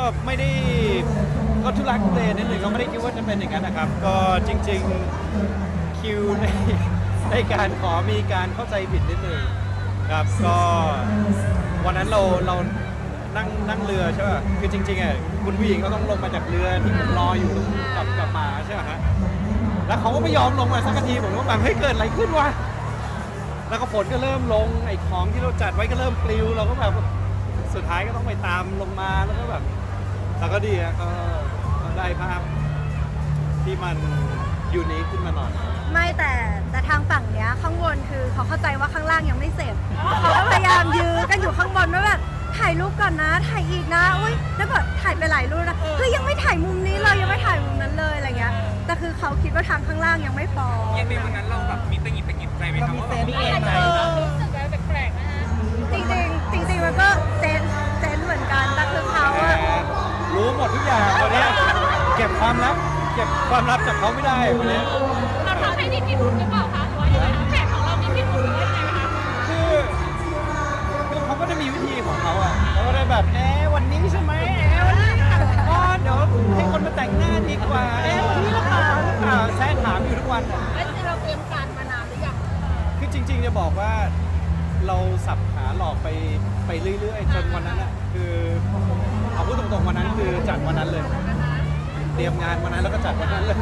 ไม่ได้ก็ทุลักทุเลนิดหนึ่งก็ไม่ได้คิดว่าจะเป็นอย่างนั้นนะครับก็จริงๆคิวในการขอมีการเข้าใจผิดนิดหนึ่งครับก็วันนั้นเรานั่งเรือใช่ป่ะคือจริงๆอ่ะคุณผู้หญิงเขาต้องลงมาจากเรือที่ผมรออยู่กับหมาใช่ไหมฮะแล้วเขาก็ไม่ยอมลงมาสักทีผมก็แบบเฮ้ยเกิดอะไรขึ้นวะแล้วก็ฝนก็เริ่มลงไอ้ของที่เราจัดไว้ก็เริ่มปลิวเราก็แบบสุดท้ายก็ต้องไปตามลงมาแล้วก็แบบแต่ก็ดีอะก็ได้ภาพที่มันยูนิคขึ้นมาหน่อยไม่แต่ทางฝั่งเนี้ยข้างบนคือเขาเข้าใจว่าข้างล่างยังไม่เสร็จเขาก็พยายามยื้อกันอยู่ข้างบนว่าแบบถ่ายรูปก่อนนะถ่ายอีกนะอุ้ยแล้วก็ถ่ายไปหลายรูปนะเฮ้ยยังไม่ถ่ายมุมนี้เลยยังไม่ถ่ายมุมนั้นเลยอะไรเงี้ยแต่คือเขาคิดว่าทางข้างล่างยังไม่พอยังในวันนั้นเราแบบมีตะหงิดใจไหมครับว่าแบบมีเอ็นไหมรู้สึกอะไรแปลกๆนะฮะจริงมันก็เซนเหมือนกันแต่คือเขาอะรู้หมดทุกอย่างวันนี้เก็บความลับจากเขาไม่ได้วันนี้เราทำให้มีพิรุธหรือเปล่าคะหรือว่ายังไงคะแผนของเรามีพิรุธหรือว่ายังไงคะคือเขาก็จะมีวิธีของเขาอ่ะเขาก็ได้แบบวันนี้ใช่ไหมวันนี้อ๋อเดี๋ยวให้คนมาแต่งหน้าดีกว่าวันนี้หรือเปล่าแซะถามอยู่ทุกวันอ่ะแล้วเราเตรียมการมานานหรือยังคือจริงๆจะบอกว่าเราสับขาหลอกไปเรื่อยๆจนวันนั้นอ่ะคือเอาพูดตรงๆวันนั้นคือจัดวันนั้นเลยเตรียมงานวันนั้นแล้วก็จัดวันนั้นเลย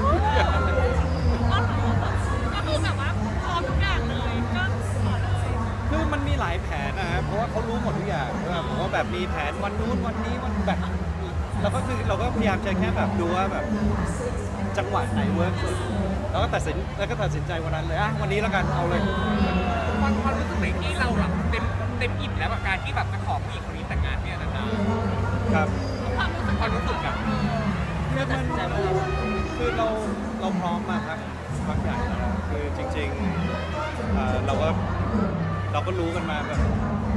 ก็คือแบบว่าพร้อมทุกอย่างเลยก็ขอเลยคือมันมีหลายแผนนะฮะเพราะว่าเขารู้หมดทุกอย่างผมว่าแบบมีแผนวันนู้นวันนี้วันแบบเราก็พยายามจะแค่แบบดูว่าแบบจังหวะไหนเวิร์กสุดแล้วก็ตัดสินใจวันนั้นเลยวันนี้แล้วกันเอาเลยความรู้สึกไหนที่เราแบบเต็มอิ่มแล้วกับการที่แบบจะขอผู้หญิงคนนี้แต่งงานเนี่ยนะครับความรู้สึกแบบคือเราพร้อมมาพักใหญ่แล้วคือจริงๆเราก็รู้กันมาแบบ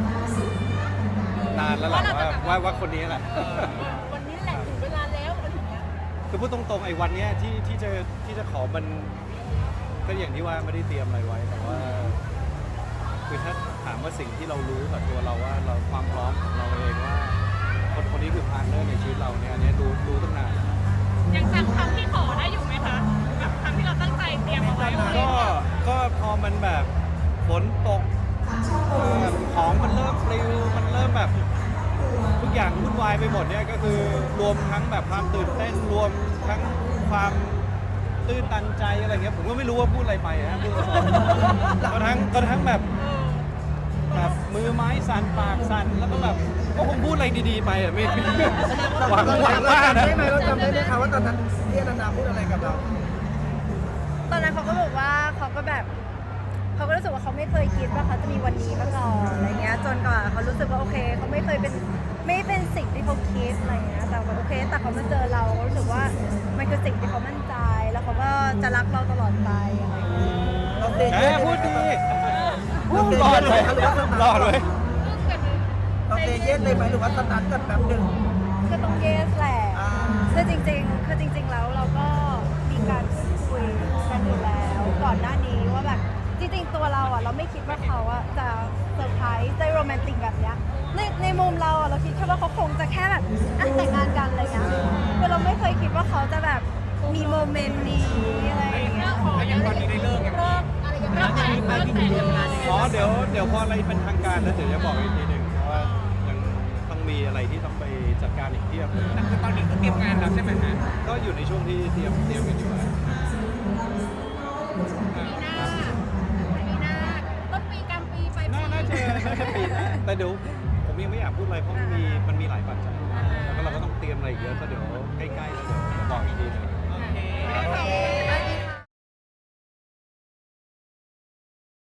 นานแล้วแหละว่าคนนี้แหละวันนี้แหละถึงเวลาแล้วอะไรอย่างเงี้ยคือพูดตรงๆไอ้วันเนี้ยที่จะขอมันก็อย่างที่ว่าไม่ได้เตรียมอะไรไว้แต่ว่าคือถ้าถามว่าสิ่งที่เรารู้กับตัวเราว่าเราความพร้อมของเราเองว่าคนนี้คือพาร์ทเนอร์ในชีวิตเราเนี่ยอันนี้รู้ตั้งนานยังจำคำที่ขอได้อยู่ไหมคะแบบคำที่เราตั้งใจเตรียมเอาไว้ก็พอมันแบบฝนตกของมันเริ่มปลิวมันเริ่มแบบทุกอย่างวุ่นวายไปหมดเนี่ยก็คือรวมทั้งแบบความตื่นเต้นรวมทั้งความตื้นตันใจอะไรเงี้ยผมก็ไม่รู้ว่าพูดอะไรไปนะพูดก็ทั้งแบบมือไม้สั่นปากสั่นแล้วก็แบบก็คงพูดอะไรดีๆไปอ่ะไม่หวังว่านะได้ไหมเราจำได้ไหมคะว่าตอนนั้นพี่อนันดาพูดอะไรกับเราตอนนั้นเขาก็บอกว่าเขาก็รู้สึกว่าเขาไม่เคยคิดว่าเขาจะมีวันนี้มาก่อนอะไรเงี้ยจนกว่าเขารู้สึกว่าโอเคเขาไม่เป็นสิ่งที่เขาคิดอะไรเงี้ยแต่ว่าโอเคแต่เขามาเจอเรารู้สึกว่ามันคือสิ่งที่เขามั่นใจแล้วเขาก็จะรักเราตลอดไปอะไรเงี้ยพูดดีรอดเลยเราเซเยสเลยไหมหรือว่าสตาร์ทกันแบบหนึ่งคือต้องเยสแหละคือจริงแล้วเราก็มีการพูดคุยกันอยู่แล้วก่อนหน้านี้ว่าแบบจริงๆตัวเราอ่ะเราไม่คิดว่าเขาอ่ะจะเซอร์ไพรส์จะโรแมนติกแบบเนี้ยในมุมเราอ่ะเราคิดแค่ว่าเขาคงจะแค่แบบแต่งงานกันอะไรเงี้ยคือเราไม่เคยคิดว่าเขาจะแบบมีโมเมนต์นี้อะไรอย่างเงี้ยยังตอนนี้ได้เลิกยังอะไรอย่างเงี้ยไปพิธีทำงานเดี๋ยวพออะไรเป็นทางการแล้วเดี๋ยวจะบอกอีกทีหนึ่งเพราะว่ายังต้องมีอะไรที่ต้องไปจัดการอีกเทียบเลยแต่คือตอนนี้ก็เตรียมงานแล้วใช่ไหมฮะก็อยู่ในช่วงที่เตรียมกันอยู่ปีหน้าต้นปีกลางปีปลายปีน่าจะปีหน้าแต่เดี๋ยวผมยังไม่อยากพูดอะไรเพราะมันมีหลายปัจจัยแล้วก็เราก็ต้องเตรียมอะไรเยอะก็เดี๋ยวใกล้ๆแล้วเดี๋ยวบอกอีกทีหนึ่ง